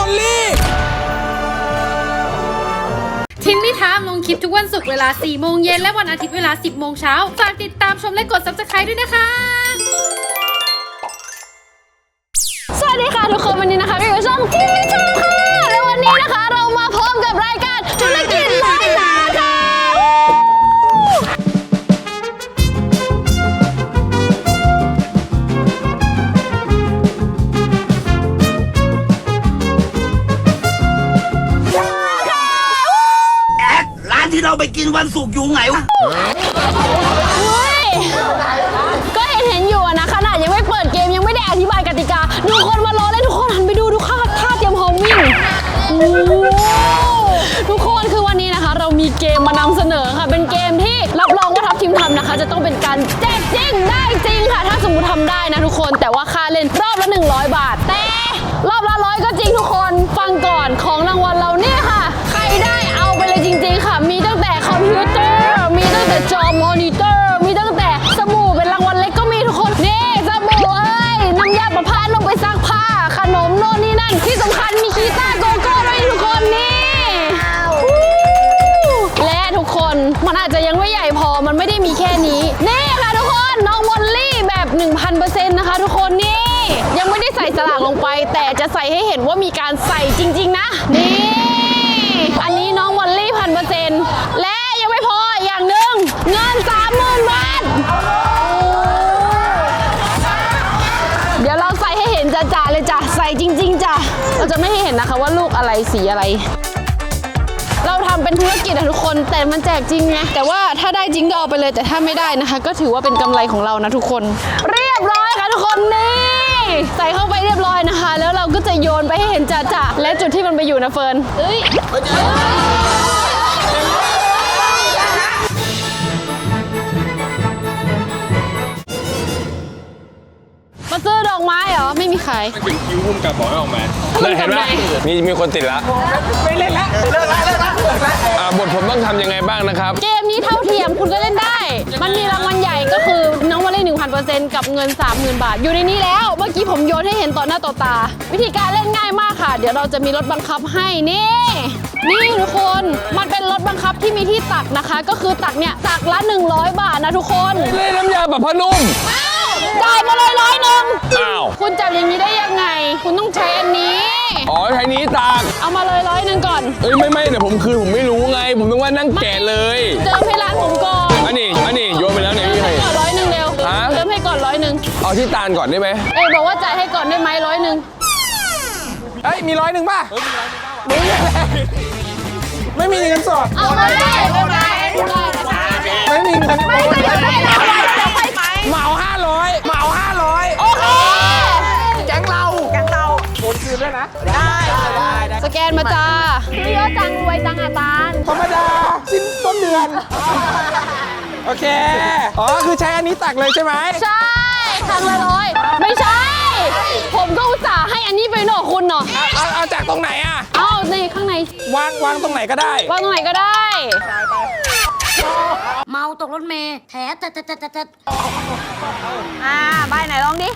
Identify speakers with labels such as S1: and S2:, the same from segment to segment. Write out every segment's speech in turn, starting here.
S1: อลลี่
S2: ทินนี่ทามลงคลิปทุกวันศุกร์เวลา 4 โมงเย็นและวันอาทิตย์เวลา 10 โมงเช้าฝากติดตามชมและกด Subscribe ด้วยนะคะ
S3: สวัสดีค่ะทุกคนวันนี้นะคะก็อยู่ช่องทินนี่ทามค่ะและวันนี้นะคะเรามาพร้อมกับรายการธุรกิจร้อยล้านค่ะ
S4: ที่เราไปกินวันศุกร์อยู่ไงวะ
S3: ก็เห็นอยู่นะขนาดยังไม่เปิดเกมยังไม่ได้อธิบายกติกาดูคนมารอเล่นทุกคนหันไปดูท่าเตรียมพร้อมวิ่งทุกคนคือวันนี้นะคะเรามีเกมมานำเสนอค่ะเป็นเกมที่รับรองว่าทัพทีมทำนะคะจะต้องเป็นการแจกจริงได้จริงค่ะถ้าสมมติทำได้นะทุกคนแต่ว่าค่าเล่นรอบละ100 บาทแต่รอบละ100ก็จริงทุกคนฟังก่อนของรางวัลเราเนี่ยค่ะใครได้เอาไปเลยจริงๆค่ะมีตั้งแต่คอมพิวเตอร์มีตั้งแต่จอมอนิเตอร์มีตั้งแต่สบู่เป็นรางวัลเล็กก็มีทุกคนนี่สบู่น้ำยาประพาสลงไปซักผ้าขนมโน่นนี่นั่นที่สำคัญมีกีตาร์โกโก้ด้วยทุกคนนี่และทุกคนมันอาจจะยังไม่ใหญ่พอมันไม่ได้มีแค่นี้นี่ค่ะทุกคนน้องมอลลี่แบบ 1,000% นะคะทุกคนนี่ยังไม่ได้ใส่สลากลงไปแต่จะใส่ให้เห็นว่ามีการใส่จริงๆนะนี่อันนี้น้องมอลลี่ 1,000% และยังไม่พออย่างหนึ่งเงิน 30,000 บาทเดี๋ยวเราใส่ให้เห็นจ่าๆเลยจ้ะใส่จริงๆจ้ะเราจะไม่ให้เห็นนะคะว่าลูกอะไรสีอะไรเราทำเป็นธุรกิจอะทุกคนแต่มันแจกจริงไงแต่ว่าถ้าได้จริงก็เอาไปเลยแต่ถ้าไม่ได้นะคะก็ถือว่าเป็นกำไรของเรานะทุกคนเรียบร้อยค่ะทุกคนนี่ใส่เข้าไปเรียบร้อยนะคะแล้วเราก็จะโยนไปให้เห็นจ่าๆและจุดที่มันไปอยู่นะเฟิร์นมาซื้อดอกไม้เหรอไม่มีขาย
S1: มันถึงคิวพุ่มกับบอกให้ออกมา
S3: เห็นไหม
S5: มีคนติดละ
S1: ไม่เล่นละเลิกละ
S5: บทผมต้องทำยังไงบ้างนะครับ
S3: เกมนี้เท่าเทียมคุณก็เล่นได้มันมีรางวัลใหญ่ก็คือน้องวอลเล่ 1,000% กับเงิน 30,000 บาทอยู่ในนี้แล้วเมื่อกี้ผมโยนให้เห็นต่อหน้าต่อตาวิธีการเล่นง่ายมากค่ะเดี๋ยวเราจะมีรถบังคับให้นี่ทุกคนมันเป็นรถบังคับที่มีที่ตักนะคะก็คือตักเนี่ยตักละ100 บาทนะทุกคน
S5: เล่นน้ำยาแบบพนุ่ม
S3: จ่ายมาเลย100
S5: อ้าว
S3: คุณจับอย่างนี้ได้ยังไงคุณต้องใช้อันนี้
S5: ใช้นี้ตัก
S3: เอามาเลย100ก่อน
S5: ไม่เดี๋ยวผมคืนผมไม่รู้ไงผมต้องว่านั่งแกะเลย
S3: เติมให้ร้านผมก่อน
S5: อันนี้โยนไปแล้วเนี่ยพี่
S3: ให้ก่อน100เร็วเติมให้ก่อน100
S5: เอาที่ตาลก่อนได้ไหม
S3: บอกว่าจ่ายให้ก่อนได้ไหม100
S1: มี100ป่ะไม่มีเงินสด
S3: เอาไม่ได้
S1: ไม่มีเงิน
S3: ไม่ได้
S1: เหมา500
S3: โอเค
S1: แก๊งเราโอนคืนด้วยนะได้
S3: สแกนมาจ้าซื้อเยอะจังรวยจังอาจารย์
S1: ธรรมดาสิ้นต้นเดือนโอเคคือใช้อันนี้ตักเลยใช่ไหม
S3: ใช่ทางละ100ไม่ใช่ผมก็อุตส่าห์ให้อันนี้ไปหน่อคุณเนาะ
S1: เอาจากตรงไหนอ่ะ
S3: เอาในข้างใน
S1: วางตรงไหนก็ได้
S3: วางตรงไหนก็ได้
S2: เมาตกรถเมล์แถ
S3: ใบไหนลองดิ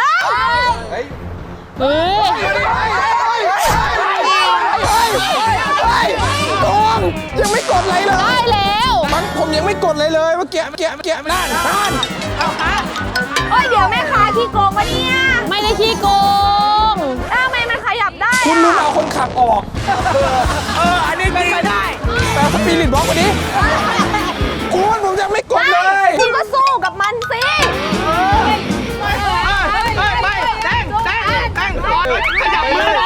S1: ยังไม่กดเลย
S3: ได้แล้ว
S1: ผมยังไม่กดเลยเมื่อกี้นั่น
S3: เดี๋ยวแม่ค้าขี้โกงวะเนี่ยไม่ได้ขี้โกงทำไมมันขยับได้
S1: คุณลืมเอาคนขับออกอันนี้เป็นไปได้แต่สปีริตบล็อกวันนี้คุณผมยังไม่กดเลย
S3: คุณก็สู้กับมันสิ
S1: ขยับมือ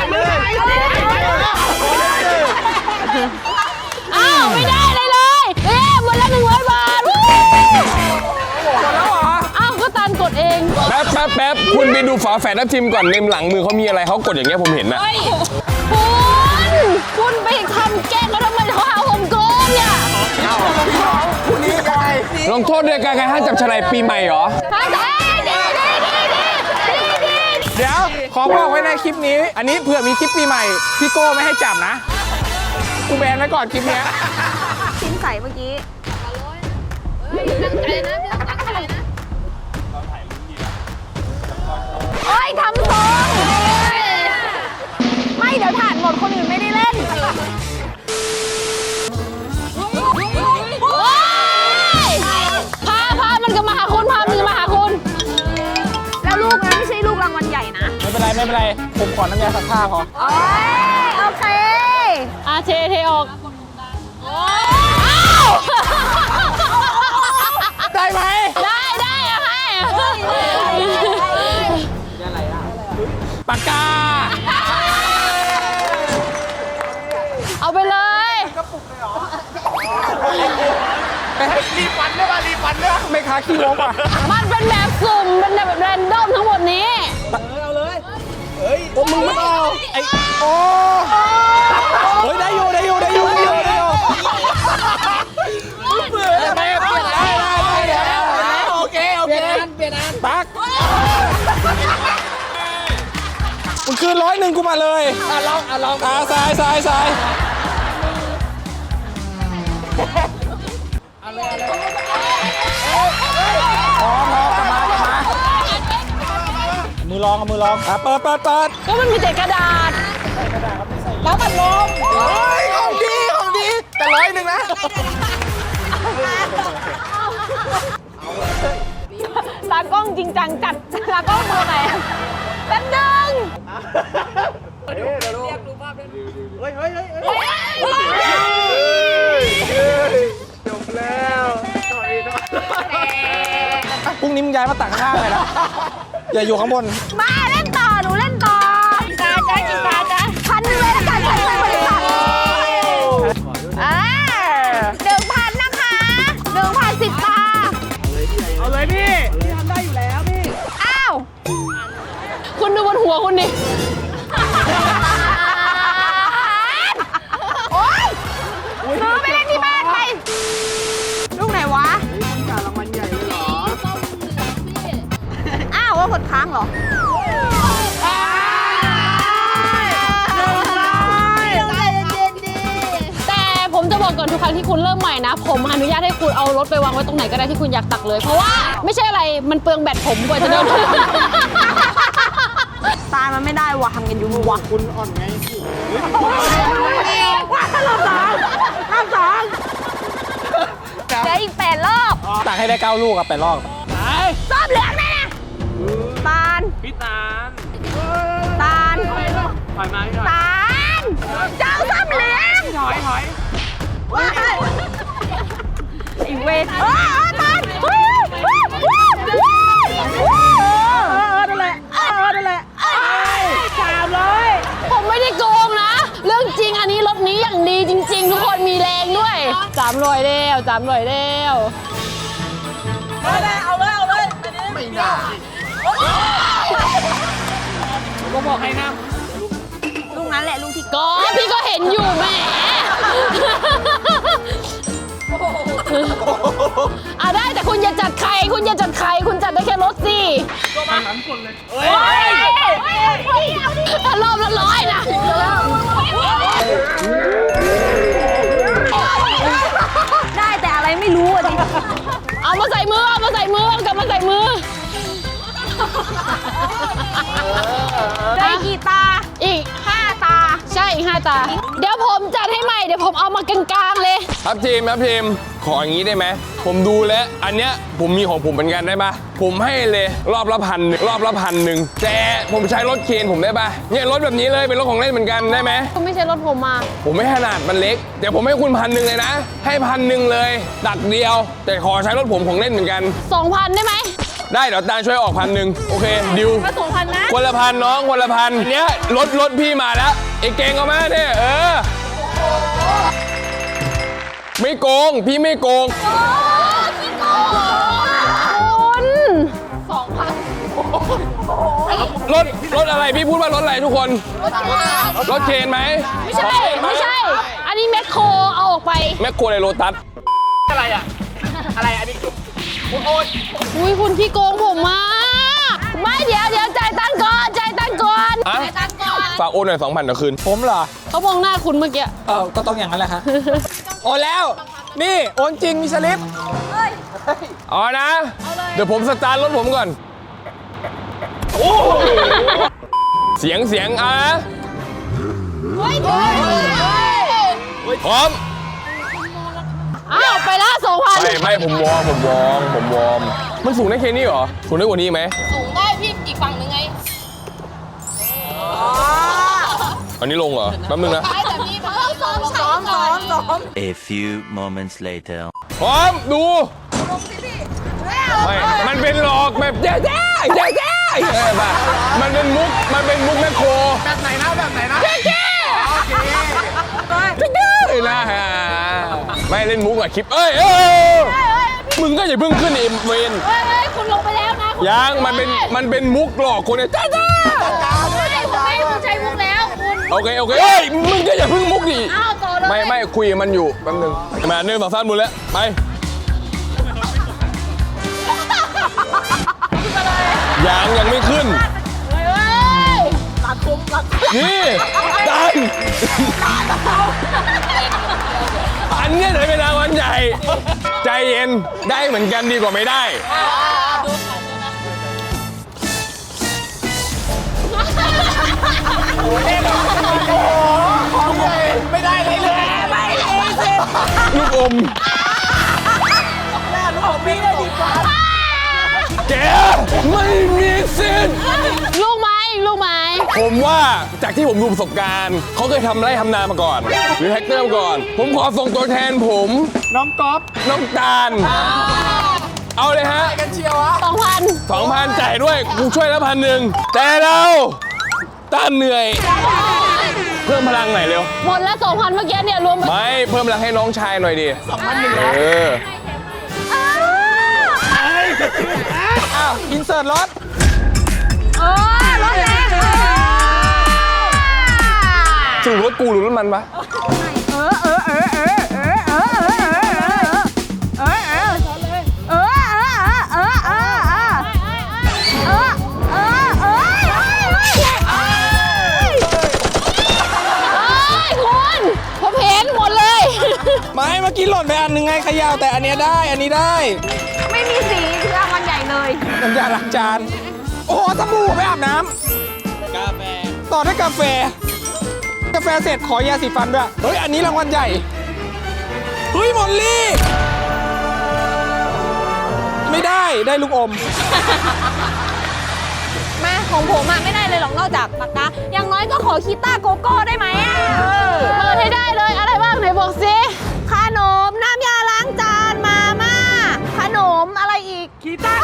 S3: ไม่ได้เลยหมดละ100 บาทหมด
S1: แล้วเหรอ
S3: ก็ตาลกดเอง
S5: แป๊บคุณไปดูฝาแฝดทัพทิมก่อนในหลังมือเขามีอะไรเขากดอย่างเงี้ยผมเห็นนะ
S3: คุณไปทำแกล้งเขาทำไมเขาหาผมโกงเนี่ย
S1: คุณนี่ไง
S5: ลงโทษด้วยการห้ามจับฉลากปีใหม่เหรอ
S1: เดี๋ยวขอบอกไว้ในคลิปนี้อันนี้เผื่อมีคลิปปีใหม่พี่โก้ไม่ให้จับนะกูแบนไว้ก่อนคลิปนี้
S3: ชิ้นใสเมื่อกี้ตั้งใจนะพี่ตั้งใจนะทำทรงไม่เดี๋ยว
S1: เป็นไรผมขอน้ำยาซักผ้าพอ
S3: โอเคเทออก
S1: ได้ไหม
S3: ได้อะให้
S1: ปากกา
S3: เอาไปเลย
S1: รีฟันได้ป่ะรีฟันได้ป่ะไม่ค้าขี้งกอ่ะ
S3: มันเป็นแบบสุ่มเป็นแบบแรนดอมทั้งหมดนี้
S1: โอ้มึงไม่เอาไอ้โอ้เฮ้ยได้อยู่ได้โอเคเปลี่ยนอันปักมึงคืน100กูมาเลยลองทรายพร้อมกลับมามือลองเปิด
S3: ก็มันมีแต่กระดาษ
S1: แล้วมันลมเฮ้ยของดีแต่100นะ
S3: ตากล้องจริงจังจัดตากล้องมือไหนแป๊บนึง
S1: พรุ่งนี้มึงย้ายมาตักข้างเลยนะอย่าอยู่ข้างบน
S3: มาเล่นต่อหนูเล่นต่อกี่ตาจ๊ะ1,000เลยละกัน1,000บริษัท1,000นะคะ1,010 ตา
S1: เอาเลยพี่
S3: อ้าวคุณดูบนหัวคุณดิโอ๊ยซื้อไปเล่นที่บ้านไปลูกไหนวะอ้าวว่ากดค้างเหรอแต่ผมจะบอกก่อนทุกครั้งที่คุณเริ่มใหม่นะผมอนุญาตให้คุณเอารถไปวางไว้ตรงไหนก็ได้ที่คุณอยากตักเลยเพราะว่าไม่ใช่อะไรมันเปลืองแบตผมกว่าจะเดินตายมันไม่ได้วะทำกันอยู่วะคุณอ่อนไงว่ารอบสองเดี๋ยวอีก8 รอบ
S1: ตักให้ได้9 ลูกอะ8 รอบ
S3: รอบเหลืองแน่ตาลตาลเจ้าส้มเหลืองอีเวทตาลนั่นแหละ300ผมไม่ได้โกงนะ เรื่องจริงอันนี้รถนี้อย่างดีจริงๆ ทุกคนมีแรงด้วย300แล้ว
S1: ก็บอกให้นะ
S3: ลูกนั้นแหละลูกที่ก็พี่ก็เห็นอยู่แหมได้แต่คุณอย่าจัดใครคุณจัดได้แค่รถสิรอบละ100นะได้แต่อะไรไม่รู้อ่ะดิเอามาใส่มือกลับมาใส่มือได้กี่ตาอีก5 ตาใช่อีก5 ตาเดี๋ยวผมจัดให้ใหม่เดี๋ยวผมเอามากลางๆเลย
S5: ครับทีมขออย่างนี้ได้ไหมผมดูแล้วอันเนี้ยผมมีของผมเหมือนกันได้ปะผมให้เลยรอบละ1,000แต่ผมใช้รถเคนผมได้ปะเนี่ยรถแบบนี้เลยเป็นรถของเล่นเหมือนกันได้ไหม
S3: คุณไม่ใช่รถผมมา
S5: ผมไม่ขนาดมันเล็กแต่ผมให้คุณ1,000เลยนะให้1,000เลยตักเดียว แต่ขอใช้รถผมของเล่นเหมือนกัน
S3: 2,000 ได้ไหม
S5: ได้เดี๋ยวตาช่วยออก1,000โอเคดิว
S3: มา2,000 นะ
S5: คนละ1,000น้องคนละ1,000อันเนี้ยรถพี่มาแล้วไอ้เก่งเอามาเนี่ยไม่โกงพี่ไม่โกงรถอะไรพี่พูดว่ารถอะไรทุกคนรถเคนไหม
S3: ไม่ใช่อันนี้แมคโครเอาออกไป
S5: แมคโครในโลตัส
S1: อะไรอันนี้
S3: อุ้ยคุณขี้โกงผมมาไม่เดี๋ยวจ่ายตังค์ก่อน
S5: ฝากโอนหน่อย2,000เดี๋ยวคืน
S1: ผมเหรอ
S3: เขามองหน้าคุณเมื่อกี้
S1: ก็ต้องอย่างนั้นแหละฮะโอนแล้วนี่โอนจริงมีสลิป
S5: อ๋อนะเดี๋ยวผมสตาร์ทรถผมก่อนเสียงพร้อม
S3: ไปละ2,000
S5: ไม่ผมวอร์มมันสูงได้แค่นี้เหรอสูงได้กว่านี้ไหม
S3: สูงได้พี่อีกฝั่งนึงไง
S5: อันนี้ลงเหรอแป๊บนึงนะ
S3: แต่มีเขาต้องซ้อม
S4: A few moments later
S5: พร้อมดูไม่มันเป็นหลอกแบบแย่ๆป่ะมันเป็นมุกแม่โค
S1: แบบไหนนะแบบไหนนะ
S5: นะฮะไม่เล่นมุกอะคลิปมึงก็อย่าเพิ่งขึ้นเอ็มเวน
S3: เฮ้ยคุณลงไปแล้วนะ
S5: ยังมันเป็นมุกหลอกคนเนี่ยจ้า
S3: คุณใช้มุกแล้วคุณ
S5: โอเคเอ้ยมึงก็อย่าเพิ่งมุกดิ
S3: อ้าวต่อเลย
S5: ไม่คุยกับมันอยู่แป๊บนึงมา1 2 3หมดแล้วไปยังไม่ขึ้นนี่ดันอันเนี้ยจะเป็นรางวัลใหญ่ใจเย็นได้เหมือนกันดีกว่าไม่ได้
S1: ไม่ได้เลย
S5: ลูกอม
S1: ของพี่ได้ดีกว่า
S5: แกไม่มีสิทธิ์
S3: ลูกไม้
S5: ผมว่าจากที่ผมดูประสบการณ์เขาเคยทำไร่ทำนามาก่อน หรือแฮกเตอร์มาก่อน ผมขอส่งตัวแทนผม
S1: น้องก๊อฟ
S5: น้องตาลเอาเลยฮะ
S1: กันเชียวอะ
S5: 2,000 จ่ายด้วยกูช่วยแล้ว1,000แต่เราต้านเหนื่อย เพิ่มพลังหน่อยเร็ว
S3: หมดแล้ว2,000เมื่อกี้เนี่ยรวม
S5: ไม่เพิ่มพลังให้น้องชายหน่อยดิ
S1: 2,100 อ้าวอินเสิร์ตรถ
S3: รถแรง
S5: สรุปรถกูหรือรถมันปะ
S3: ผมเห็นหมดเลย
S1: ไม่เมื่อกี้หล่นไปอันหนึงไงเขย่าแต่อันเนี้ยได้อันนี้ได้
S3: ไม่มีสีรางวัลใหญ่เลย
S1: น้ำยาล้างจาน โอ้โหสบู่ไปอาบน้ำกาแฟต่อด้วยกาแฟเสร็จขอยาสีฟันด้วยเฮ้ยอันนี้รางวัลใหญ่เฮ้ยมอลลี่ไม่ได้ลูกอม
S3: แม่ของผมอะไม่ได้เลยหรอกนอกจากปากกาอย่างน้อยก็ขอคีต้าโกโก้ได้ไหมอะเปิดให้ได้เลยอะไรบ้างไหนบอกสิขนมน้ำยาล้างจานมาม่าขนมอะไรอีกคีต้า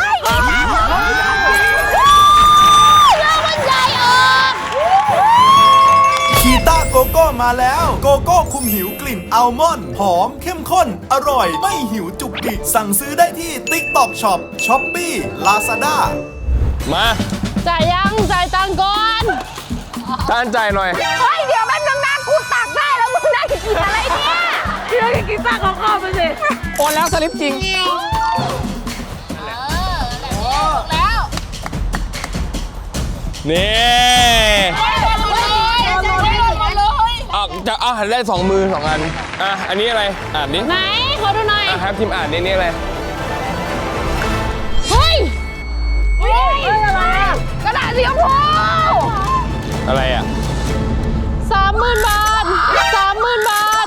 S3: แล้วมันใหญ่ออก
S6: คีต้าโกโก้มาแล้ว โกโก้คุมหิวกลิ่นอัลมอนด์หอมเข้มข้น อร่อย ไม่หิวจุกจิกสั่งซื้อได้ที่ TikTok Shop Shopee Lazada
S5: มา
S3: จ่ายตังค์ก่อน
S5: ต้านจ่ายหน่อย
S3: เฮ้ยเดี๋ยวมันนานๆกูตักได้แล้วมึงได้กินอะไรเนี่ยเรื่องกินซ่าของข้าวไปสิ
S1: โอนแล้วสลิปจริง
S3: แล้ว
S5: นี่ เอาหันได้2 มือ 2 อันอันนี้อะไรอ่านดิ
S3: ไหนขอดูหน่อย
S5: ครับทีมอ่านนี่อะไร
S3: เฮ้ยอะไรกระดาษสีชมพู
S5: อะไรอ่ะ
S3: 30,000 บาท 30,000 บาท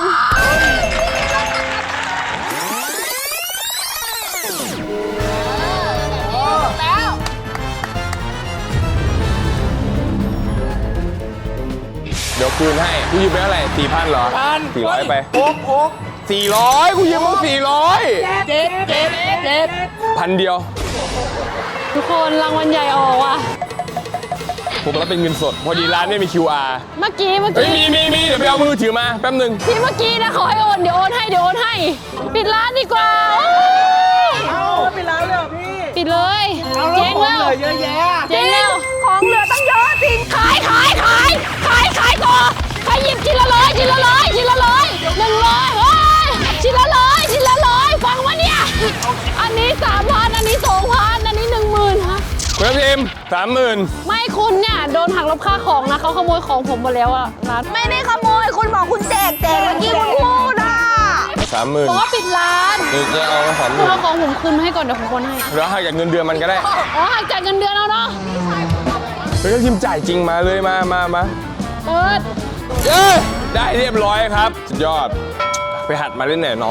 S5: เดี๋ยวคืนให้กูยืมไปเท่าไหร่ 4,000 เหรอ 400 ไป
S1: โอ๊ก
S5: 400กูยืมมึง400
S1: เจ็ด
S5: 1,000 เดียว
S3: ทุกคนรางวัลใหญ่ออกว่ะ
S5: ผมรับเป็นเงินสด พอดีร้านไม่มี QR
S3: เมื่อกี้
S5: เฮ้ยมีเดี๋ยวไปเอามือถือมาแป๊บนึง
S3: ที่เมื่อกี้นะขอให้โอนเดี๋ยวโอนให้ ปิดร้านดีกว่าโอ้ย
S1: เอาไปแล้วเลยพี่
S3: ปิดเลยเจ๊งแล้ว
S1: เลยเยอะแยะ
S3: เจ๊งแล้วของเหลือตั้งเยอะจริงขายต่อใครหยิบชิ้นละร้อย100เฮ้ยชิ้นละร้อยฟังวะเนี่ยอันนี้ 3,000 อันนี้ 2,000 อันนี้ 10,000ฮะ
S5: คุณพิมพ์ 30,000
S3: ไม่คุณเนี่ยโดนหักลบค่าของนะเขาขโมยของผมหมดแล้วอะร้านไม่ได้ขโมยคุณบอกคุณแจกเมื่อกี้คุณพูดอะ
S5: 30,000
S3: บอกว่าปิดร้าน
S5: นี่จะเอา
S3: คุณเอาของผมคืนมาให้ก่อนเดี๋ยวผมโอนให้
S5: 30,000แล้วให้จากเงินเดือนมันก็ได้
S3: อ๋อหักจากเงินเดือนเอาเนาะ
S5: เฮ้ยทีมจ่ายจริงมาเลยมา
S3: เปิด
S5: เอ้ยได้เรียบร้อยครับ สุดยอด ไปหัดมาเล่นหน่อยน้อง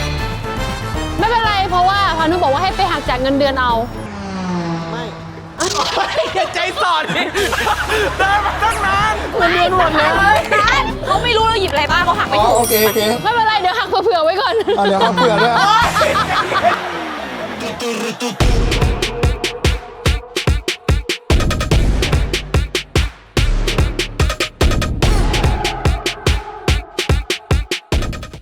S3: ไม่เป็นไรเพราะว่าพานุบอกว่าให้ไปหักจากเงินเดือนเอา
S1: อย่าใจสอดดิเดินมาตั้งนานเงินเดือนหมดแล้ว
S7: เขาไม่รู้เราหยิบอะไรบ้างเขาหักไป
S1: อ๋อ
S7: ถูก
S1: โอเคโอเค
S3: ไม่เป็นไร เดี๋ยวหักเผื่อๆไว้ก่อน
S1: เดี๋ยวครับเผื่อด้วย